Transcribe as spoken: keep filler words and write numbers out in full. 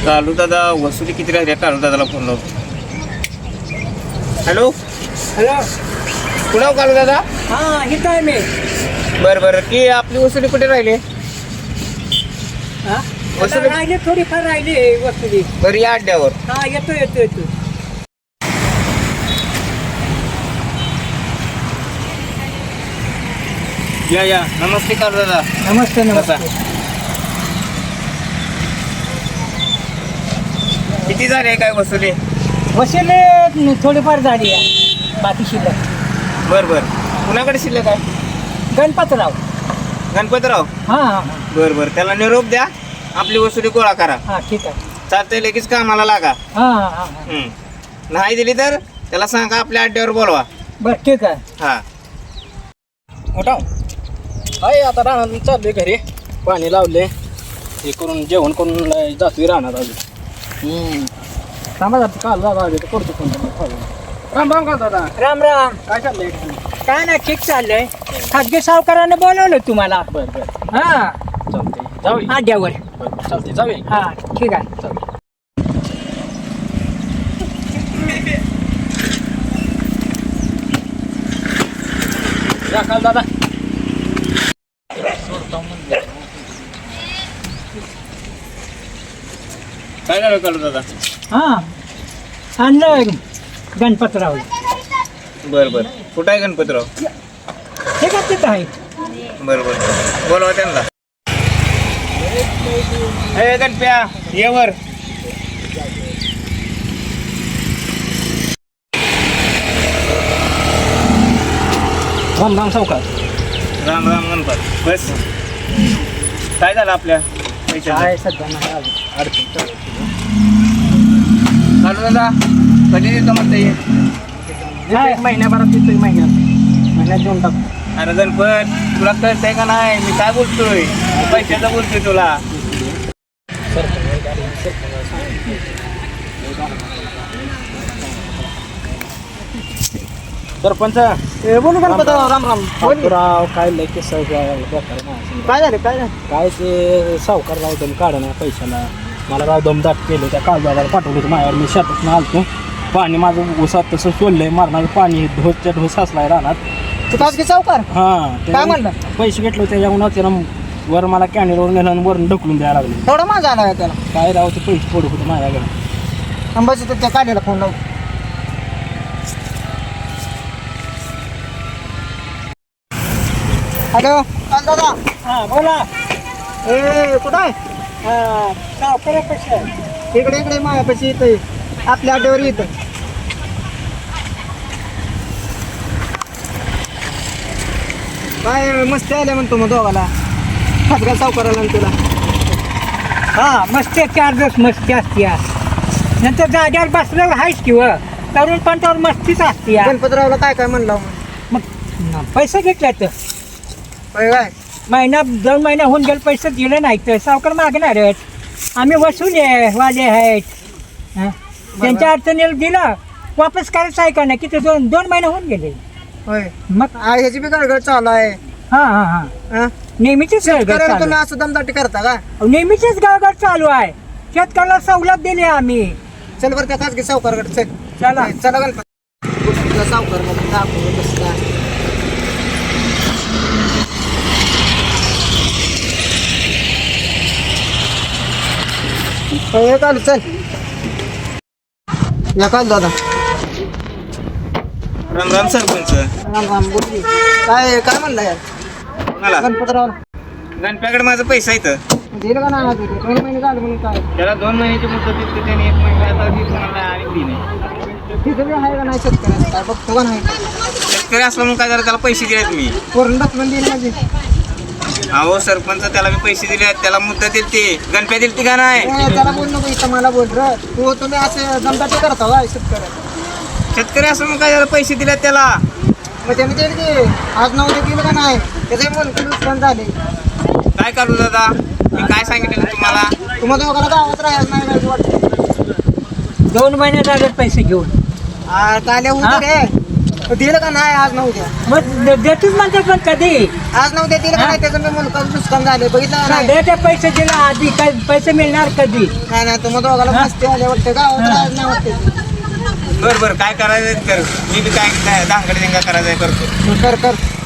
कालू दादा वसुली किती राहिली कालू दादाला फोन लावतो. Hello hello. कुणाव कालू दादा? हां इथं आहे मी. बरं बरं की आपली वसुली कुठे राहिली? हां वसुली राहिली थोडीफार राहिली वसुली. बरं या अड्ड्यावर. हां येतो येतो येतो. या या नमस्ते कालू दादा. नमस्ते बसा. नमस्ते. किती झाले काय वसुली? वसुली थोडीफार झाली आहे बाकी शिल्लक. बरं बरं कुणाकडे शिल्लक आहे? गणपतराव. गणपतराव. हां हां हां बरं बरं त्याला निरोप द्या, आपली वसुली गोळा करा. हां ठीक आहे. चालतंय लगेच कामाला लागा. हां हां हां हम्म. नाही दिली तर त्याला सांगा आपल्या अड्ड्यावर बोलवा. बरं ठीक आहे. हा मोठा आहे आता राहणार चाललोय घरी. पाणी लावले हे करून जेवण करून जातोय राहणार अजून. थांबा जातो काल दादा आले तर करतो फोन. राम राम काल दादा. राम राम. काय चाललंय? काय नाही ठीक चाललंय. खाजगी सावकारानं बोलवलं तुम्हाला. बरं बरं हां चालतंय जाऊया. आड्यावर. बरं चालतंय जाऊया. हां ठीक आहे. चालतंय. या काल दादा. काय झालं कालू दादा? हां आणलं गणपतराव. बरं बरं कुठं आहे गणपतराव? हे का तिथं आहे. बरं बरं बोलवा त्यांना. हे गणप्या ये वर. राम राम सावकार. राम राम गणपत. बस काय झालं आपल्या पैशाचं? काय सध्या नाही आलं. अडचण चालू. कालू दादा कधी देतो म्हणता ये? काय? एक महिन्याभरात येतोय महिन्यात महिन्यात देऊन टाकतो. अरे गणपत तुला कळतंय का नाही मी काय बोलतोय? पैशाचं बोलतोय तुला. सरपंच ए, बोलू गणपतराव. राम राम. बोल की. राव काय लय केस बेकार नाही. काय झालं काय झालं? काय ते सावकार राव दम काढ ना पैशाला. मला राव दमदाट केलं त्या कालदादाला पाठवलं होतं माझ्यावर. मी शेतात आलतो पाणी माझं ऊसात तसं सोडलंय मारणार पाणी ढोसच्या ढोस असलाय राहणार. तू खाजगी सावकार हां काय म्हणलं? पैसे घेतले होते त्याच्यामुळे त्यानं वर मला कॅनेलवर नेलं आणि वरून ढकलून द्यायला लागले. थोडा माझा आला आहे त्याला. काय राव ते पैसे पडत होते माझ्याकडे. अंबाजी तर त्या काढलेला फोन लावून. हॅलो काल दादा. हां बोला. ए कुठं आहे? हां सावकार पैसे इकडे इकडे मायापाशी येतं आपल्या अड्ड्यावर येतं. काय मस्ती आल्या म्हणतो मग दोघाला खाजगा सावकाराला आणि तुला. हा मस्ती चार दिवस मस्ती असते. नंतर जाग्यावर बसल्यावर आहेच किंवा तरुण पण तर मस्तीच असते. गणपतरावला काय काय म्हणलं मग? पैसे घेतले तर काय महिना दोन महिना होऊन गेले पैसे दिले नाही तर सावकार मागणार आहेत. आम्ही वसूल आहे वाले आहेत. हं? त्यांच्या अडचणीला दिलं वापस करायचं आहे का नाही? किती दोन दोन महिने होऊन गेले. होय मग ह्याची बी गडगड चालू आहे. हां हां हां नेहमीचीच गडगड चालू आहे. असं दमदाटी करता का? नेहमीचीच गडगड चालू आहे. शेतकऱ्याला सवलत दिली आम्ही. चल बरं त्या खाजगी सावकारकडे चल. चला चला गणपती सावकार बसला. हे काल चल या काल दादा. राम राम सरपंच. राम राम. बोल की. काय काय म्हणलं यार मला गणपतराव? गणप्याकडे माझा पैसा येतं दिलं का नाही अजून? दोन महिने झाले म्हणून काय त्याला दोन महिन्याची मुदत दिली त्याने एक महिना आता ती तुम्हाला आणि ती नाही. तिथं बी आहे का नाही शेतकऱ्याचं काय बघतो का नाही? शेतकरी असलं म्हणून काय झालं त्याला पैसे दिलेत मी. वरून ढकलून दिली म्हणजे अहो सरपंच त्याला मी पैसे दिले त्याला मुद्दा दिली ती गणप्या दिली ती का नाही? ए, त्याला बोल नको इथं मला बोल र. तू तुम्ही असे दमदाटी करता का शेतकऱ्या? शेतकरी असं म्हणून काय झालं पैसे दिलेत त्याला. मग त्याने दिली की आज नऊ ते दिलं का नाही? त्याचे मन पण झाले. काय करू दादा मी काय सांगितलं तुम्हाला? तुम्हाला दोघाला गावात राहायला नाही काय वाटतं? दोन महिने झाले पैसे घेऊन. काय होतं रे दिलं का नाही आज नऊ द्या मग दे- देतोच म्हणतात पण कधी आज नऊ द्या दिलं का हा? नाही त्याचं मी मुलगा नुकसान झाले बघितलं का नाही साध्याचे पैसे दिले आधी काय पैसे मिळणार कधी नाही नाही तुम्हाला दोघाला हा? मस्ती आले वाटतं गावात आज नाही वाटते बरं बरं काय करायचं कर मी बी काय काय दांगड दिंगा करायचं करतो कर कर